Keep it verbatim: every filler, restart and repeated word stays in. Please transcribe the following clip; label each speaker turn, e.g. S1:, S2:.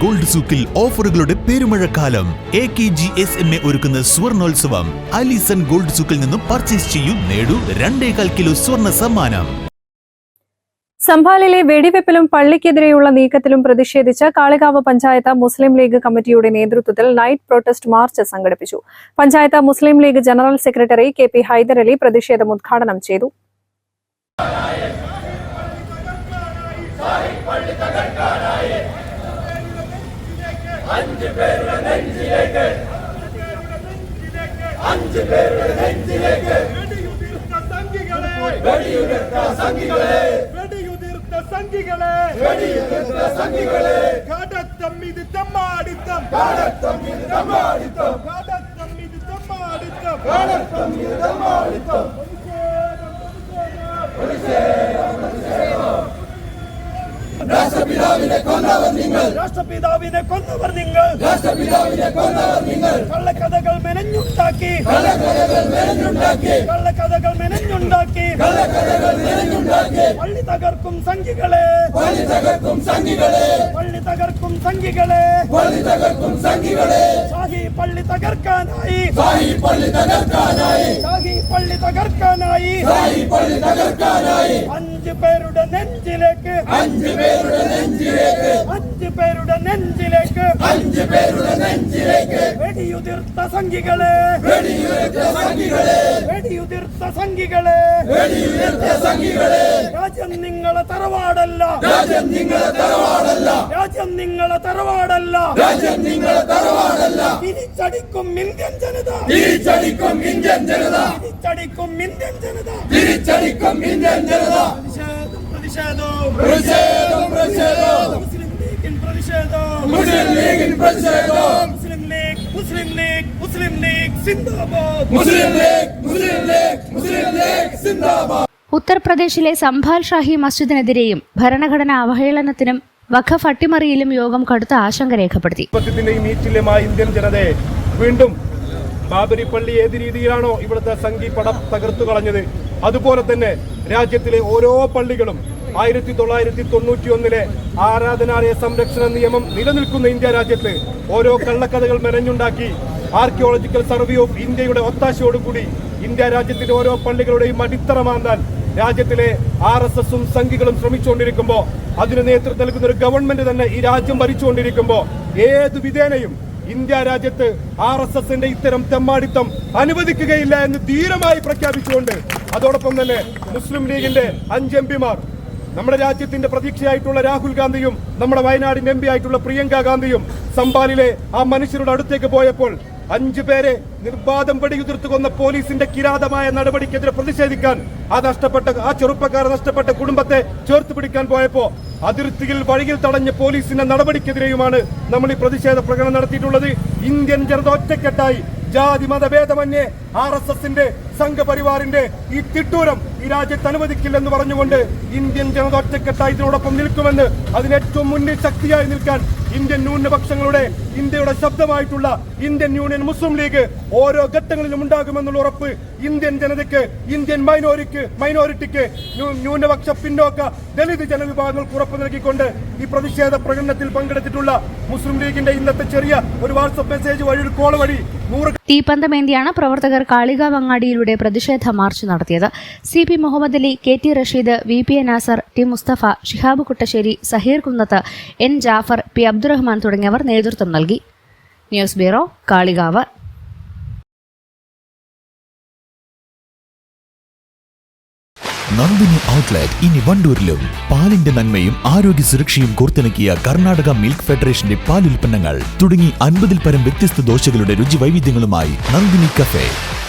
S1: Gold സൂക്കിൽ ഓഫറുകളുടെ പെരുമഴക്കാലം. A K G S M A ഒരുക്കുന്ന സ്വർണോത്സവം. അലിസൺ ഗോൾഡ് സൂക്കിൽ നിന്നും പർച്ചേസ് ചെയ്യൂ, നേടൂ രണ്ടേകാൽ കിലോ സ്വർണ്ണ സമ്മാനം.
S2: സംഭാലിലെ വെടിവെപ്പിലും പള്ളിക്കെതിരെയുള്ള നീക്കത്തിലും പ്രതിഷേധിച്ച് കാളികാവ് പഞ്ചായത്ത് മുസ്ലിം ലീഗ് കമ്മിറ്റിയുടെ നേതൃത്വത്തിൽ നൈറ്റ് പ്രൊട്ടസ്റ്റ് മാർച്ച് സംഘടിപ്പിച്ചു. Panchayat Muslim League general secretary K P Hyderali പ്രതിഷേധം ഉദ്ഘാടനം ചെയ്തു.
S3: രാഷ്ട്രപിതാവിനെ കൊന്നവർ നിങ്ങൾ രാഷ്ട്രപിതാവിനെ കൊന്നവർ നിങ്ങൾ രാഷ്ട്രപിതാവിനെ കൊന്നവർ നിങ്ങൾ കള്ളക്കഥകൾ മെനഞ്ഞുണ്ടാക്കി കള്ളക്കഥകൾ മെനഞ്ഞുണ്ടാക്കി കള്ളക്കഥകൾ മെനഞ്ഞുണ്ടാക്കി കള്ളക്കഥകൾ മെനഞ്ഞുണ്ടാക്കി പള്ളി തകർക്കും സംഘികളെ പള്ളി തകർക്കും സംഘികളെ പള്ളി തകർക്കും സംഘികളെ പള്ളി തകർക്കും സംഘികളെ ഷാഹി പള്ളി തകർക്കാനായി ഷാഹി പള്ളി തകർക്കാനായി ഷാഹി പള്ളി തകർക്കാനായി ഷാഹി പള്ളി തകർക്കാനായി അഞ്ച് പേരുടെ നെഞ്ചിലേക്ക് അഞ്ച് പേരുടെ നെഞ്ചിലേക്ക് അഞ്ച് പേരുടെ നെഞ്ചിലേക്ക് അഞ്ച് പേരുടെ നെഞ്ചിലേക്ക് വെടിയുതിർത്ത സംഘികളെ വെടിയുതിർത്ത സംഘികളെ വെടിയുതിർത്ത സംഘികളെ വെടിയുതിർത്ത സംഘികളെ രാജ്യം നിങ്ങളെ തറവാടല്ല രാജ്യം നിങ്ങളെ തറവാടല്ല രാജ്യം നിങ്ങളെ തറവാടല്ല രാജ്യം നിങ്ങളെ തറവാടല്ല തിരിച്ചടിക്കും ഇന്ത്യൻ ജനത തിരിച്ചടിക്കും ഇന്ത്യൻ ജനത തിരിച്ചടിക്കും ഇന്ത്യൻ ജനത തിരിച്ചടിക്കും ഇന്ത്യൻ ജനത പ്രതിഷേധം പ്രതിഷേധം പ്രതിഷേധം മുസ്ലിം ലീഗിൻ പ്രതിഷേധം മുസ്ലിം ലീഗിൻ പ്രതിഷേധം മുസ്ലിം ലീഗ് മുസ്ലിം ലീഗ് മുസ്ലിം ലീഗ് സിന്ദാബാദ് മുസ്ലിം ലീഗ് മുസ്ലിം ലീഗ് മുസ്ലിം ലീഗ് സിന്ദാബാദ്.
S4: ഉത്തർപ്രദേശിലെ സംഭാൽ ഷാഹി മസ്ജിദിനെതിരെയും ഭരണഘടനാ അവഹേളനത്തിനും വഖഫ് അട്ടിമറിയിലും യോഗം കടുത്ത ആശങ്ക രേഖപ്പെടുത്തി.
S3: ഇന്ത്യൻ ജനതയെ വീണ്ടും ബാബരി പള്ളി ഏത് രീതിയിലാണോ ഇവിടുത്തെ സംഘി പടം തകർത്തു കളഞ്ഞത്, അതുപോലെ തന്നെ രാജ്യത്തിലെ ഓരോ പള്ളികളും ആയിരത്തി തൊള്ളായിരത്തി തൊണ്ണൂറ്റി ഒന്നിലെ ആരാധനാലയ സംരക്ഷണ നിയമം നിലനിൽക്കുന്ന ഇന്ത്യ രാജ്യത്ത് ഓരോ കള്ളക്കഥകൾ മെനഞ്ഞുണ്ടാക്കി ആർക്കിയോളജിക്കൽ സർവേ ഓഫ് ഇന്ത്യയുടെ ഒത്താശയോടുകൂടി ഇന്ത്യ രാജ്യത്തിന്റെ ഓരോ പള്ളികളുടെയും അടിത്തറ മാന്താൻ രാജ്യത്തിലെ ആർ എസ് എസും സംഘികളും ശ്രമിച്ചുകൊണ്ടിരിക്കുമ്പോൾ അതിന് നേതൃത്വം നൽകുന്ന ഒരു ഗവൺമെന്റ് തന്നെ ഈ രാജ്യം ഭരിച്ചുകൊണ്ടിരിക്കുമ്പോൾ ഏതു വിധേനയും ഇന്ത്യ രാജ്യത്ത് ആർ എസ് എസിന്റെ ഇത്തരം തെമ്മാടിത്തം അനുവദിക്കുകയില്ല എന്ന് ധീരമായി പ്രഖ്യാപിച്ചുകൊണ്ട് അതോടൊപ്പം തന്നെ മുസ്ലിം ലീഗിന്റെ അഞ്ച് എം പിമാർ, നമ്മുടെ രാജ്യത്തിന്റെ പ്രതീക്ഷയായിട്ടുള്ള രാഹുൽ ഗാന്ധിയും നമ്മുടെ വയനാടിന്റെ എം പി ആയിട്ടുള്ള പ്രിയങ്ക ഗാന്ധിയും സംഭാലിലെ ആ മനുഷ്യരുടെ അടുത്തേക്ക് പോയപ്പോൾ അഞ്ചു പേരെ നിർബാധം വെടിയുതിർത്ത് കൊന്ന പോലീസിന്റെ കിരാതമായ നടപടിക്കെതിരെ പ്രതിഷേധിക്കാൻ ആ നഷ്ടപ്പെട്ട ആ ചെറുപ്പക്കാർ നഷ്ടപ്പെട്ട കുടുംബത്തെ ചേർത്ത് പിടിക്കാൻ പോയപ്പോ അതിർത്തിയിൽ വഴിയിൽ തടഞ്ഞ പോലീസിന്റെ നടപടിക്കെതിരെയുമാണ് നമ്മൾ ഈ പ്രതിഷേധ പ്രകടനം നടത്തിയിട്ടുള്ളത്. ഇന്ത്യൻ ജനത ഒറ്റക്കെട്ടായി ജാതി മതഭേദമന്യേ ആർ എസ് എസിന്റെ സംഘപരിവാറിന്റെ ഈ തിട്ടൂരം ഈ രാജ്യത്ത് അനുവദിക്കില്ലെന്ന് പറഞ്ഞുകൊണ്ട് ഇന്ത്യൻ ജനത ഒറ്റക്കെട്ടായി ഇതിനോടൊപ്പം നിൽക്കുമെന്ന് അതിന് ഏറ്റവും മുന്നിൽ ശക്തിയായി നിൽക്കാൻ ഇന്ത്യൻ ന്യൂനപക്ഷങ്ങളുടെ ഇന്ത്യയുടെ ശബ്ദമായിട്ടുള്ള ഇന്ത്യൻ യൂണിയൻ മുസ്ലിം ലീഗ് ഓരോ ഘട്ടങ്ങളിലും ഉണ്ടാകുമെന്നുള്ള ഉറപ്പ് ഇന്ത്യൻ ജനതയ്ക്ക്, ഇന്ത്യൻ മൈനോറിക്ക് മൈനോറിറ്റിക്ക് ന്യൂനപക്ഷ പിന്നോക്ക ദളിത് ജനവിഭാഗങ്ങൾക്ക് ഉറപ്പ് നൽകിക്കൊണ്ട് ഈ പ്രതിഷേധ പ്രകടനത്തിൽ പങ്കെടുത്തിട്ടുള്ള മുസ്ലിം ലീഗിന്റെ ഇന്നത്തെ ചെറിയ ഒരു വാട്സ്ആപ്പ് മെസ്സേജ് വഴി, ഒരു കോൾ വഴി നൂറ്
S4: തീപ്പന്തമേന്തിയാണ് പ്രവർത്തകർ കാളികാവ് അങ്ങാടിയിലൂടെ പ്രതിഷേധ മാർച്ച് നടത്തിയത്. C P Muhammad Ali, K T Rasheed, V P A Nasar, T Mustafa, Shihab Kuttassery, Saheer Kunnath, N Jafar, P Abdurahman തുടങ്ങിയവർ നേതൃത്വം നൽകി. News bureau, Kalikavu.
S1: Nandini outlet ഇനി വണ്ടൂരിലും. പാലിന്റെ നന്മയും ആരോഗ്യ സുരക്ഷയും കോർത്തിണക്കിയ കർണാടക മിൽക്ക് ഫെഡറേഷന്റെ പാലുൽപ്പന്നങ്ങൾ തുടങ്ങി അൻപതിൽ പരം വ്യത്യസ്ത ദോശകളുടെ രുചി വൈവിധ്യങ്ങളുമായി നന്ദിനി കഫേ.